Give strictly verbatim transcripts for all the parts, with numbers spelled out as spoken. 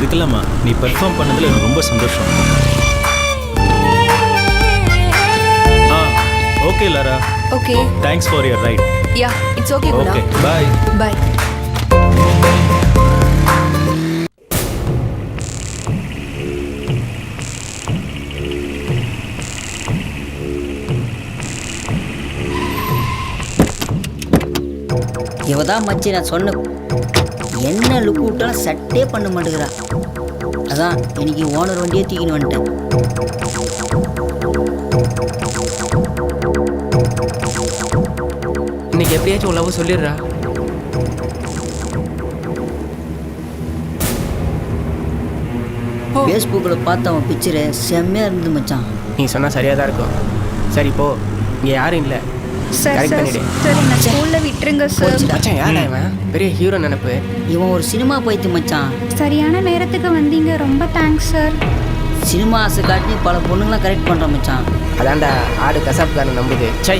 இதுக்கெல்லாமா நீ பெர்ஃபார்ம் பண்ணதில் எனக்கு ரொம்ப சந்தோஷம். ஆ okay Lara. Okay. Thanks for your ride. Yeah it's okay. Okay bye. Bye. இவதான் மச்சி நான் சொன்ன என்ன லுக் விட்டாலும் சட்டே பண்ண மாட்டேங்கிறா. அதான் இன்னைக்கு ஓனர் வண்டியே தூக்கின்னு வந்துட்டேன். இன்னைக்கு எப்படியாச்சும் உள்ள சொல்லிடுறா. ஃபேஸ்புக்கில் பார்த்து அவன் பிக்சரு செம்மையாக இருந்தது மச்சான். நீ சொன்னால் சரியாக தான் இருக்கும். சரி போ, இங்கே யாரும் இல்லை. சார் சார் சார் என்ன ஸ்கூல்ல விட்டுருங்க சார். மச்சான் யாரா இவன்? பெரிய ஹீரோ நினைப்பு. இவன் ஒரு சினிமா போயிட்டு மச்சான். சரியான நேரத்துக்கு வந்தீங்க, ரொம்ப தேங்க்ஸ் சார். சினிமா ஆசை காட்டி பல பொண்ணுங்களாம் கரெக்ட் பண்ணுறான் மச்சான். அதான்டா ஆடு கசாப்காரன் நம்புது. சை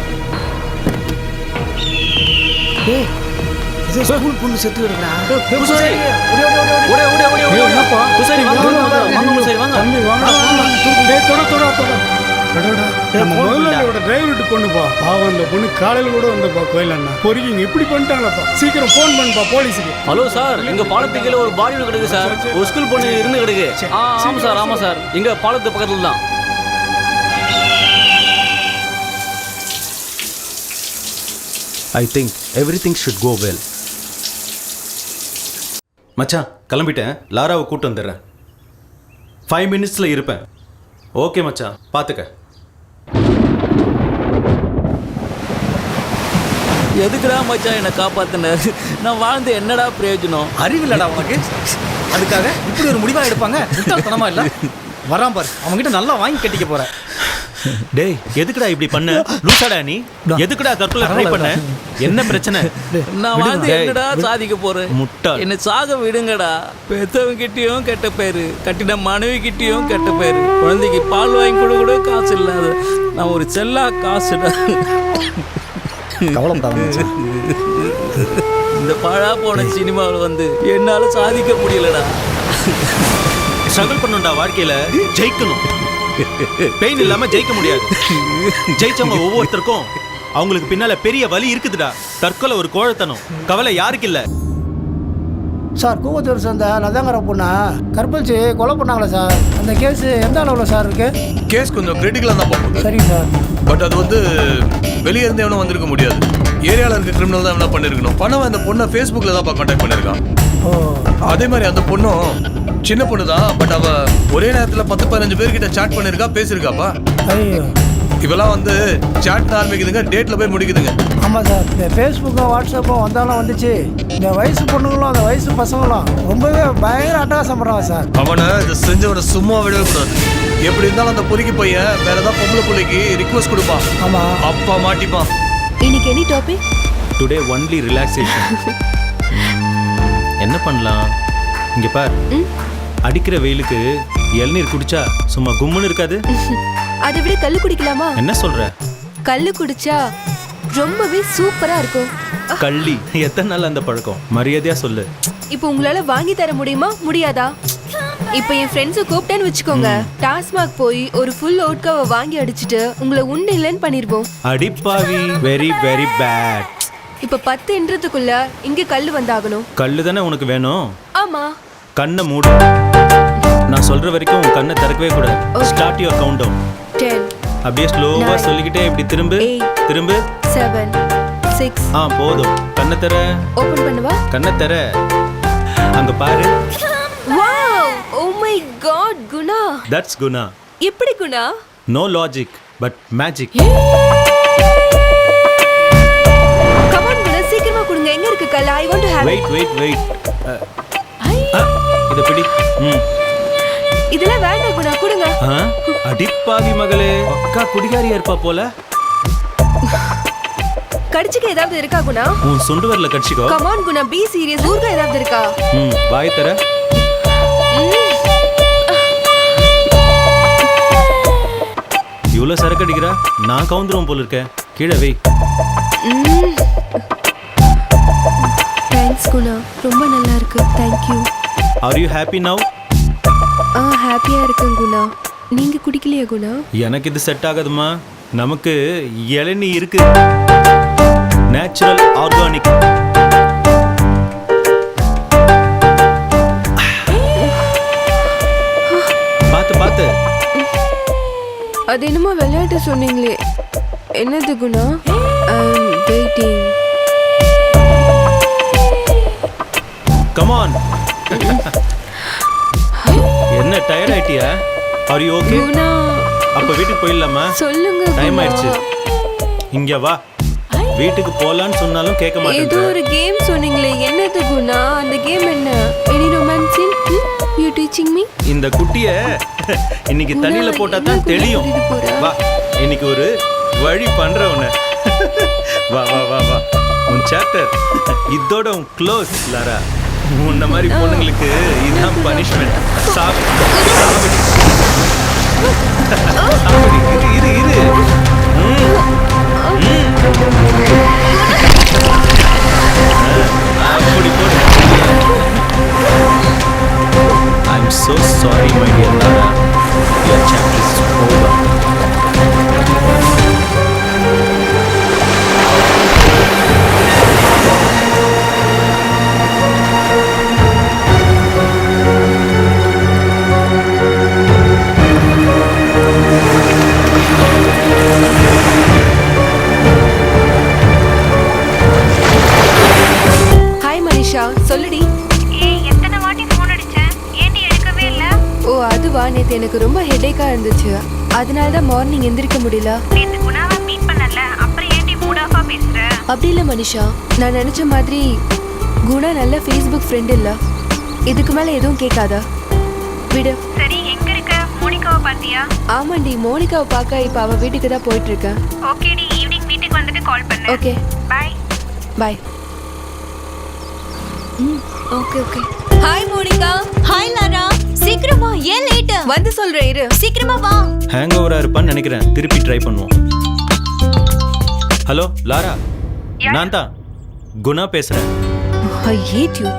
ஏய் இது ஸ்கூல் பொண்ணு செத்து கிடக்குறா. பூசாரி ஓடி ஓடி ஓடி ஓடி ஓடி ஓடி ஓடி என்னப்பா பூசாரி வாங்க வாங்க பூசாரி வாங்க. தம்பி வாங்க. டேய் தொட தொட தொட. கடடா. நம்ம முதல்ல டிரைவர்ட்ட பொண்ணுப்பா. பாவம் அந்த பொண்ணு காலையில கூட வந்தப்பா கோயில் அண்ணா. பொறுக்கிங்க இப்படி பண்ணிட்டாங்களப்பா. சீக்கிரம் ஃபோன் பண்ணுப்பா போலீஸ்க்கு. ஹலோ சார், இங்க பாலத்துக்கு கீழ ஒரு பாடி கிடக்கு சார். ஒரு ஸ்கூல் பொண்ணு இருந்து கிடக்கு. ஆ ஆமா சார் ஆமா சார். இங்க பாலத்து பக்கத்துல தான். I think everything should go well. மச்சான் கிளம்பிட்டேன். லாராவை கூட்டு வந்துடுறேன். ஃபைவ் மினிட்ஸில் இருப்பேன். ஓகே மச்சான் பார்த்துக்க. எதுக்குடா மச்சான் என்னை காப்பாத்தின? நான் வாழ்ந்து என்னடா பிரயோஜனம்? அறிவில்லடா உனக்கு. அதுக்காக இப்படி ஒரு முடிவா எடுப்பாங்க? முட்டாள்தனமா இல்ல? வரான் பாரு, அவங்ககிட்ட நல்லா வாங்கி கட்டிக்க போற. டேய் எதுக்குடா இப்படி பண்ண? லூசாடா நீ? எதுக்குடா தற்கொலை ட்ரை பண்ண? என்ன பிரச்சனை? நான் வாழ்ந்து என்னடா சாதிக்க போறேன்? முட்டாள். என்னை சாக விடுங்கடா. பெத்தவங்க கிட்டயும் கெட்ட பேரு, கட்டின மனைவி கிட்டயும் கெட்ட பேரு, குழந்தைக்கு பால் வாங்கி கூட கூட காசு இல்லாத நான் ஒரு செல்லா காசுடா. இந்த பழா போன சினிமாவில் வந்து என்னால சாதிக்க முடியலடா. ஸ்ட்ரகிள் பண்ணுடா, வாழ்க்கையில ஜெயிக்கணும். பெயின் இல்லாம ஜெயிக்க முடியாது. ஜெயிச்சவங்க ஒவ்வொருத்தருக்கும் அவங்களுக்கு பின்னால பெரிய வலி இருக்குதுடா. தற்கொலை ஒரு கோழைத்தனம். கவலை யாருக்கு இல்ல. சார் கூவத்தூர் சேர்ந்த லதாங்கர பொண்ணா கற்பழிச்சு கொலை பண்ணாங்களா சார்? அந்த கேஸ் எந்த அளவில் சார் இருக்கு? கேஸ் கொஞ்சம் கிரிட்டிக்கலாக தான் பார்ப்போம். சரி சார். பட் அது வந்து வெளியே இருந்து எவனும் வந்திருக்க முடியாது. ஏரியாவில் இருக்க கிரிமினல் தான் என்ன பண்ணிருக்கணும். பணம் அந்த பொண்ணை ஃபேஸ்புக்கில் தான் கான்டாக்ட் பண்ணியிருக்கான். ஓ அதே மாதிரி அந்த பொண்ணும் சின்ன பொண்ணு தான். பட் அவ ஒரே நேரத்தில் பத்து பதினஞ்சு பேர்கிட்ட சாட் பண்ணியிருக்கா, பேசியிருக்காப்பா. ஐயோ இவெல்லாம் வந்து சாட் ஆரம்பிக்குதுங்க, டேட்டில் போய் முடிக்குதுங்க. ஆமாம் சார். இந்த ஃபேஸ்புக்கும் வாட்ஸ்அப்பும் வந்தாலும் வந்துச்சு. இந்த வயசு பொண்ணுங்களும் அந்த வயசு பசங்களும் ரொம்பவே பயங்கர அட்டகாசம் பண்ணுறாங்க சார். அவனை இதை செஞ்சவனை சும்மா விடவே கூடாது. எப்படி இருந்தாலும் அந்த பொறுக்கி பையன் வேற ஏதாவது பொம்பளை பிள்ளைக்கு ரிக்வஸ்ட் கொடுப்பான். ஆமாம் அப்பா மாட்டிப்பான். இன்னைக்கு any topic? Today only relaxation. என்ன பண்ணலாம்? இங்க பார், அடிக்கிற வெயிலுக்கு இளநீர் குடிச்சா சும்மா கும்முன்னு இருக்காது. அதை விட கல்லு குடிக்கலாமா? என்ன சொல்ற? கல்லு குடிச்சா ரொம்பவே சூப்பரா இருக்கும். கள்ளி எத்தனை நாள் அந்த பழக்கம்? மரியாதையா சொல்லு. இப்போ உங்களால வாங்கி தர முடியுமா முடியாதா? இப்போ என் ஃப்ரெண்ட்ஸை கூப்பிட்டேன்னு வச்சுக்கோங்க, டாஸ்மாக் போய் ஒரு ஃபுல் ஓட்காவை வாங்கி அடிச்சுட்டு உங்களை உண்டு இல்லைன்னு பண்ணிருவோம். அடிப்பாவி, வெரி வெரி பேட். இப்போ பத்து என்றதுக்குள்ள இங்க கல்லு வந்தாகணும். கல்லு தானே உனக்கு வேணும்? ஆமா. கண்ணை மூடு. நான் சொல்ற வரைக்கும் உன் கண்ணை திறக்கவே கூடாது. Start your countdown. Ten. அப்படியே ஸ்லோவா சொல்லிக்கிட்டே இப்படி திரும்பு திரும்பு. Seven six. ஆ போதும். கண்ணை தர. ஓபன் பண்ணுவா. கண்ணை தர. அங்க பாரு. Wow, oh my god Guna. That's Guna. எப்படி Guna? No logic but magic. Come on Guna, சீக்கிரமா கொடுங்க. எங்க இருக்கு கல்? I want to have. Wait wait wait. இத பிடி. ம். இதெல்லாம் வேண்டாம் குணா, கொடுங்க. அடிப்பாவி மகளே, அக்கா குடிகாரியா இருப்பா போல. கடிச்சுக்க ஏதாவது இருக்கா குணா? உன் சுண்டு வரல கடிச்சுக்கோ. Come on Guna, be serious. ஊர்ல ஏதாவது இருக்கா? ம், வாய் தர. இவ்வளவு சரக்கு அடிக்கிறா, நான் கவுந்துருவோம் போல இருக்கேன். கீழே வை. தேங்க்ஸ் குணா, ரொம்ப நல்லா இருக்கு. Thank you. Are you happy now? ஆ ஹாப்பியா இருக்கேன் குணா. நீங்க குடிக்கலையா குணா? எனக்கு இது செட் ஆகாதுமா. நமக்கு இளநீ இருக்கு, நேச்சுரல் ஆர்கானிக். பார்த்து பார்த்து. அது என்னமோ விளையாட்டு சொன்னீங்களே, என்னது Guna? I am waiting. Come on. என்ன டயர்ட் ஆயிட்டியா? Are you okay? குணா அப்ப வீட்டுக்கு போயிடலாமா? சொல்லுங்க டைம் குணா. ஆயிடுச்சு. இங்க வா. வீட்டுக்கு போலான்னு சொன்னாலும் கேட்க ஏதோ மாட்டேன். ஒரு கேம் சொன்னீங்களே, என்னது குணா? அந்த கேம் என்ன? Any romance in you teaching me? இந்த குட்டிய இன்னைக்கு குணா, தண்ணியில போட்டா என்ன தான் குணா தெரியும். கூட்டிட்டு போற? வா, இன்னைக்கு ஒரு வழி பண்ற உன்னை. வா வா வா வா. உன் சாப்டர் இதோட உன் க்ளோஸ் லாரா. உன்ன மாதிரி பொண்ணுங்களுக்கு இதுதான் பனிஷ்மெண்ட். சாப்பிடு சாப்பிடு. சாப்பிடு. இரு இரு இரு. ம். ம். அப்படி போடு. I'm so sorry, my dear Lara. Your chapter is over. Hi Manisha, சொல்லுடி. ஏய் எத்தனை வாட்டி ஃபோன் அடிச்சேன், ஏன்டி எடுக்கவே இல்ல? ஓ அதுவா, நேத்து எனக்கு ரொம்ப ஹெடேக்கா இருந்துச்சு, அதனால தான் மார்னிங் எந்திரிக்க முடியல. நேத்து குணாவை மீட் பண்ணல, அப்புறம் ஏன்டி மூட் ஆஃபா பேசுற? அப்படி இல்லை மனிஷா, நான் நினைச்ச மாதிரி குணா நல்ல ஃபேஸ்புக் ஃப்ரெண்ட் இல்ல. இதுக்கு மேல எதுவும் கேட்காதா? விடு. சரி எங்க இருக்க? மோனிகாவை பாத்தியா? ஆமாண்டி, மோனிகாவை பார்க்க இப்ப அவ வீட்டுக்கு தான் போயிட்டு இருக்கேன். ஓகேடி, ஈவினிங் வீட்டுக்கு வந்துட்டு கால் பண்ணு. Okay bye. பாய். ம் okay okay. Hi Monica. Hi Lara, சீக்கிரமா, ஏன் லேட்? வந்து சொல்றேன் இரு. சீக்கிரமா வா. ஹேங் ஓவரா இருப்பான்னு நினைக்கிறேன். திருப்பி ட்ரை பண்ணுவோம். ஹலோ லாரா, நான் தான் குணா பேசுறேன். I hate you.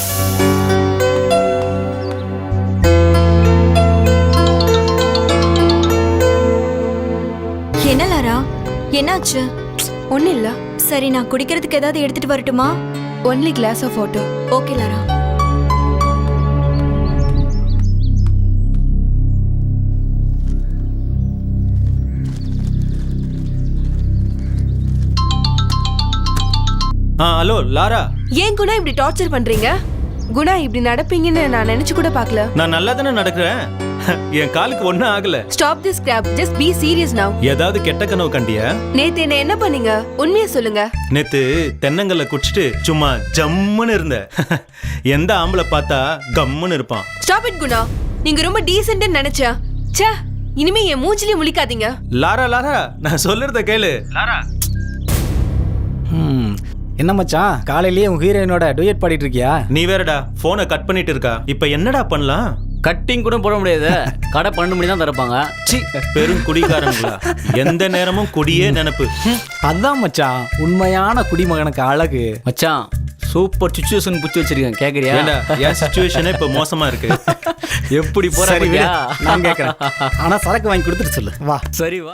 என்ன லாரா, என்னாச்சு? ஒன்றும் இல்லை. சரி, நான் குடிக்கிறதுக்கு ஏதாவது எடுத்துட்டு வரட்டுமா? Only glass of water. Okay Lara. ஆ ஹலோ லாரா. ஏன் குணா இப்படி டார்ச்சர் பண்றீங்க? குணா இப்படி நடப்பீங்கன்னு நான் நினைச்சு கூட பார்க்கல. நான் நல்லா தானே நடக்கிறேன். என் காலுக்கு ஒன்றும் ஆகல. Stop this crap, just be serious now. ஏதாவது கெட்ட கனவு கண்டியா? நேத்து என்ன என்ன பண்ணீங்க? உண்மையை சொல்லுங்க. நேத்து தென்னங்கல்ல குடிச்சிட்டு சும்மா ஜம்முன்னு இருந்த. எந்த ஆம்பளை பார்த்தா கம்முன்னு இருப்பான். ஸ்டாப் இட் குணா, நீங்க ரொம்ப டீசென்ட்னு நினைச்சேன். ச்சே, இனிமே என் மூஞ்சிலே முழிக்காதீங்க. லாரா லாரா, நான் சொல்றத கேளு லாரா. ம் என்ன மச்சான், காலையிலேயே உன் ஹீரோயினோட டூயட் பாடிட்டு இருக்கியா? நீ வேறடா போனை கட் பண்ணிட்டு இருக்கா. இப்ப என்னடா பண்ணலாம்? கட்டிங் கூட போட முடியாது, கடை பன்னெண்டு மணி தான் திறப்பாங்க. சி, பெரும் குடிகாரங்களா, எந்த நேரமும் குடியே நினைப்பு. அதான் மச்சான் உண்மையான குடிமகனுக்கு அழகு. மச்சான் சூப்பர் சுச்சுவேஷன் புடிச்சு வச்சிருக்கேன், கேக்குறியா? ஏண்டா, என் சிச்சுவேஷனே இப்ப மோசமா இருக்கு. எப்படி சரி விடு, போறா? நான் கேட்கறேன். ஆனா சரக்கு வாங்கி கொடுத்துட்டு சொல்லு. வா. சரி வா.